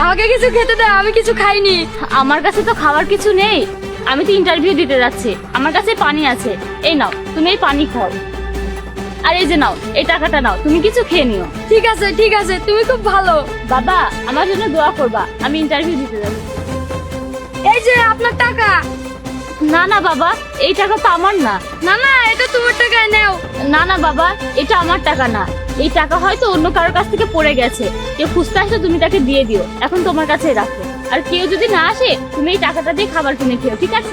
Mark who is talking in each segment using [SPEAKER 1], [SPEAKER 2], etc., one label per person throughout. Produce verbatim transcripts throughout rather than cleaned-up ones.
[SPEAKER 1] আমাকে কিছু খেতে দাও, আমি কিছু খাইনি।
[SPEAKER 2] আমার কাছে তো খাবার কিছু নেই, আমি তো ইন্টারভিউ দিতে যাচ্ছি। আমার কাছে পানি আছে, এই নাও তুমি এই পানি খাও। আর এই যে নাও এই টাকাটা নাও, তুমি কিছু খেয়ে নিও।
[SPEAKER 1] ঠিক আছে ঠিক আছে, তুমি খুব ভালো।
[SPEAKER 2] বাবা আমার জন্য দোয়া করবা, আমি ইন্টারভিউ দিতে যাচ্ছি।
[SPEAKER 1] এই যে আপনার টাকা।
[SPEAKER 2] না না বাবা, এই টাকা তো আমার না।
[SPEAKER 1] না না, এটা তোমার টাকায় নাও।
[SPEAKER 2] না না বাবা, এটা আমার টাকা না। এই টাকা হয়তো অন্য কারোর কাছ থেকে পড়ে গেছে, কেউ খুঁজতে আসলে তুমি তাকে দিয়ে দিও। এখন তোমার কাছে রাখো, আর কেউ যদি না আসে তুমি এই টাকাটা দিয়ে খাবার কিনে খেও, ঠিক আছে?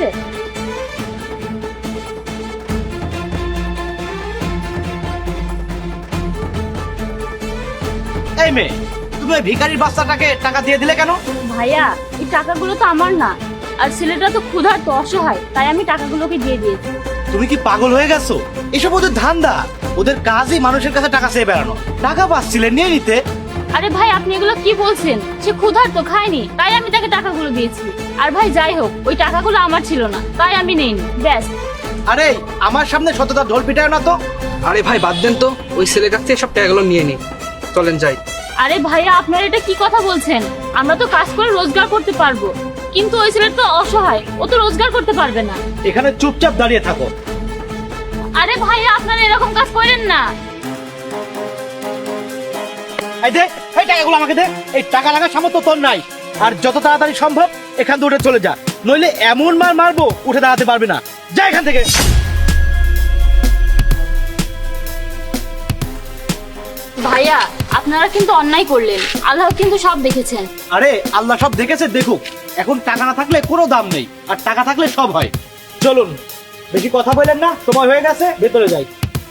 [SPEAKER 3] এই মেয়ে, তুমি ওই ভিখারির বাচ্চাটাকে টাকা দিয়ে দিলে কেন?
[SPEAKER 2] ভাইয়া এই টাকাগুলো তো আমার না, আর ছেলেটা তো ক্ষুধার্ত অসহায়, তাই আমি টাকাগুলোকে দিয়ে দিয়েছি।
[SPEAKER 3] তুমি কি পাগল হয়ে গেছো? এসব ওদের ধান্দা, ওদের কাজই মানুষের কাছে টাকা চেয়ে বেড়ানো। টাকা পাচ্ছিলে নিয়ে নিতে।
[SPEAKER 2] আরে ভাই আপনি এগুলো কি বলছেন? সে ক্ষুধার্ত, খায়নি, তাই আমি তাকে টাকাগুলো দিয়েছি। আর ভাই যাই হোক, ওই টাকাগুলো আমার ছিল না, তাই আমি নেইনি, ব্যাস।
[SPEAKER 3] আরে আমার সামনে সততা ঢোল পিটায় না তো।
[SPEAKER 4] আরে ভাই বাদ দেন তো, ওই ছেলের কাছ থেকে সব টাকাগুলো নিয়ে নি, চলেন যাই।
[SPEAKER 2] আরে ভাইয়া আপনারা এটা কি কথা বলছেন? আমরা তো কাজ করে রোজগার করতে পারবো, কিন্তু ওই ছেলেটা তো অসহায়, ও তো রোজগার করতে পারবে না।
[SPEAKER 3] এখানে চুপচাপ দাঁড়িয়ে থাকো।
[SPEAKER 2] আরে ভাইয়া আপনারা এরকম কাজ করেন না।
[SPEAKER 3] এই দে, এই টাকাগুলো আমাকে দে। এই টাকা লাগার সামর্থ্য তোর নাই। আর যত তাড়াতাড়ি সম্ভব এখান থেকে উঠে চলে যা, নইলে এমন মার মারবো উঠে দাঁড়াতে পারবে না। যা এখান থেকে।
[SPEAKER 2] ভাইয়া আপনারা কিন্তু অন্যায় করলেন, আল্লাহ কিন্তু সব দেখেছেন।
[SPEAKER 3] আরে আল্লাহ সব দেখেছে, দেখুক। এখন টাকা না থাকলে কোনো দাম নেই, আর টাকা থাকলে সব হয়। চলুন, বেশি কথা বললেন না, সময় হয়ে গেছে, ভেতরে যাই।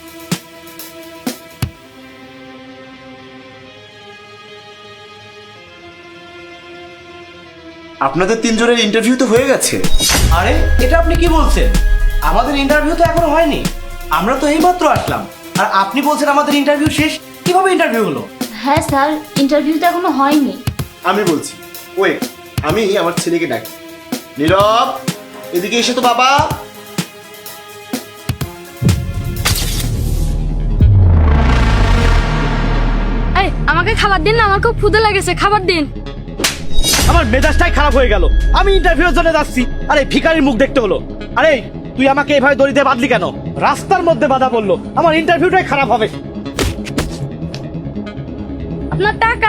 [SPEAKER 5] আপনাদের তিনজনের ইন্টারভিউ তো হয়ে গেছে।
[SPEAKER 3] আরে এটা আপনি কি বলছেন? আমাদের ইন্টারভিউ তো এখনো হয়নি, আমরা তো এইমাত্র আসলাম। আর আপনি বলছেন আমাদের ইন্টারভিউ শেষ? কিভাবে ইন্টারভিউ হলো?
[SPEAKER 2] হ্যাঁ স্যার, ইন্টারভিউ তো এখনো হয়নি।
[SPEAKER 5] আমি বলছি, ওয়েট, আমি আমার ছেলেকে ডাকি। নীরব, এদিকে এসে তো বাবা।
[SPEAKER 1] এই আমাকে খাবার দিন না, আমার খুব ক্ষুধা লেগেছে, খাবার দিন।
[SPEAKER 3] আমার মেজাজটাই খারাপ হয়ে গেল। আমি ইন্টারভিউর জন্য যাচ্ছি, আরে ভিখারির মুখ দেখতে হলো। আরে তুই আমাকে এভাবে দড়িতে বাঁধলি কেন? রাস্তার মধ্যে বাধা পড়লো, আমার ইন্টারভিউটাই খারাপ হবে।
[SPEAKER 1] আপনার টাকা।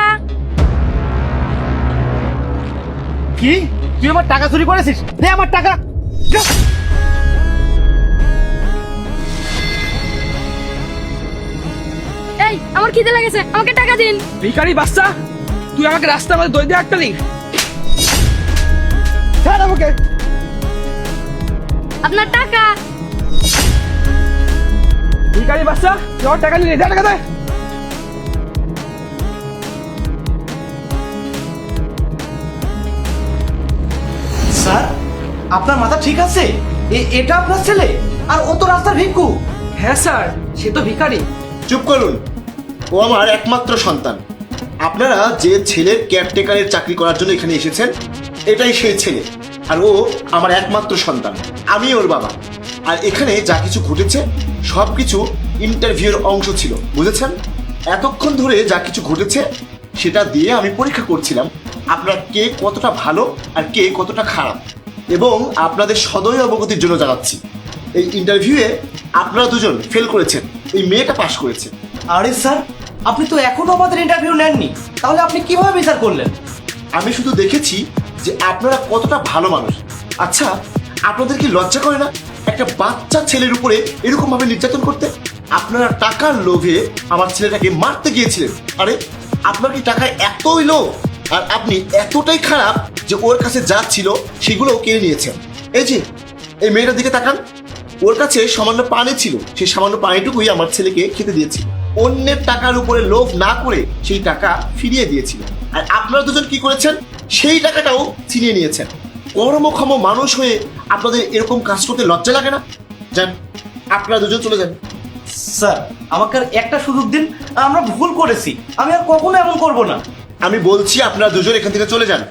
[SPEAKER 3] কি? তুই আমার টাকা চুরি করেছিস? দে আমার টাকা। যা।
[SPEAKER 1] এই আমার খিদে লেগেছে, আমাকে টাকা দিন।
[SPEAKER 4] ভিখারি বাচ্চা, তুই আমাকে রাস্তার মধ্যে দই দিয়ে আটকালি।
[SPEAKER 3] ছাড় আমাকে।
[SPEAKER 1] আপনার টাকা।
[SPEAKER 4] ভিখারি বাচ্চা, তুই আমার টাকা নিয়ে যা, টাকা দে।
[SPEAKER 3] স্যার, আপনার মাথা ঠিক আছে? এ- এটা আপনার ছেলে? আর ও তো রাস্তার ভিক্ষু।
[SPEAKER 4] হ্যাঁ স্যার, সে তো ভিখারি।
[SPEAKER 5] চুপ করুন, ও আমার একমাত্র সন্তান। আপনারা যে ছেলের কেয়ারটেকারের চাকরি করার জন্য এখানে এসেছেন, এটাই সেই ছেলে। আর ও আমার একমাত্র সন্তান, আমি ওর বাবা। আর এখানে যা কিছু ঘটেছে সব কিছু ইন্টারভিউর অংশ ছিল, বুঝেছেন? এতক্ষণ ধরে যা কিছু ঘটেছে সেটা দিয়ে আমি পরীক্ষা করছিলাম আপনার কে কতটা ভালো আর কে কতটা খারাপ। এবং আপনাদের সদয় অবগতির জন্য জানাচ্ছি, এই ইন্টারভিউয়ে আপনারা দুজন ফেল করেছেন, এই মেয়েটা পাশ করেছে।
[SPEAKER 3] আরে স্যার, আপনি তো এখনো আমাদের ইন্টারভিউ নেননি, তাহলে আপনি কিভাবে বিচার করলেন?
[SPEAKER 5] আমি শুধু দেখেছি যে আপনারা কতটা ভালো মানুষ। আচ্ছা, আপনাদের কি লজ্জা করে না একটা বাচ্চা ছেলের উপরে এরকম ভাবে নির্যাতন করতে? আপনারা টাকার লোভে আমার ছেলেটাকে মারতে গিয়েছিলেন। আরে আপনার কি টাকায় এতই লোভ? আর আপনি এতটাই খারাপ যে ওর কাছে যা ছিল সেগুলো কিনে নিয়েছেন। এই যে এই মেয়েটার দিকে তাকান, ওর কাছে সামান্য পানি ছিল, সেই সামান্য পানিটুকুই আমার ছেলেকে খেতে দিয়েছিল। অন্যের টাকার উপরে লোভ না করে সেই টাকা ফিরিয়ে দিয়েছিল। আর আপনারা দুজন কি করেছেন? সেই টাকাটাও ছিনিয়ে নিয়েছেন। কর্মক্ষম মানুষ হয়ে আপনাদের এরকম কাজ করতে লজ্জা লাগে না? যান, আপনারা দুজন চলে যান।
[SPEAKER 3] স্যার, আমাকে আর একটা সুযোগ দিন, আমরা ভুল করেছি, আমি আর কখনো এমন করব না।
[SPEAKER 5] আমি বলছি আপনারা দুজন এখান থেকে চলে যান।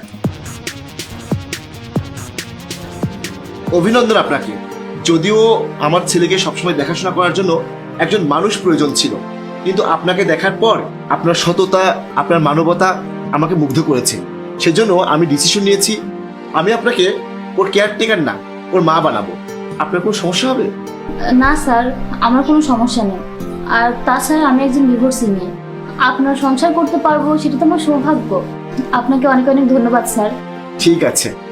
[SPEAKER 5] অভিনন্দন আপনাকে। যদিও আমার ছেলেকে সবসময় দেখাশোনা করার জন্য একজন মানুষ প্রয়োজন ছিল, কিন্তু আপনাকে দেখার পর আপনার সততা, আপনার মানবতা আমাকে মুগ্ধ করেছে। সেজন্য আমি ডিসিশন নিয়েছি আমি আপনাকে ওর কেয়ারটেকার না ওর মা বানাবো। আপনার কোনো সমস্যা হবে?
[SPEAKER 2] না স্যার, আমার কোনো সমস্যা নেই। আর তাছাড়া আমি একজন ডিভোর্সি মেয়ে, আপনার সংসার করতে পারবো সেটা তো আমার সৌভাগ্য। আপনাকে অনেক অনেক ধন্যবাদ স্যার।
[SPEAKER 5] ঠিক আছে,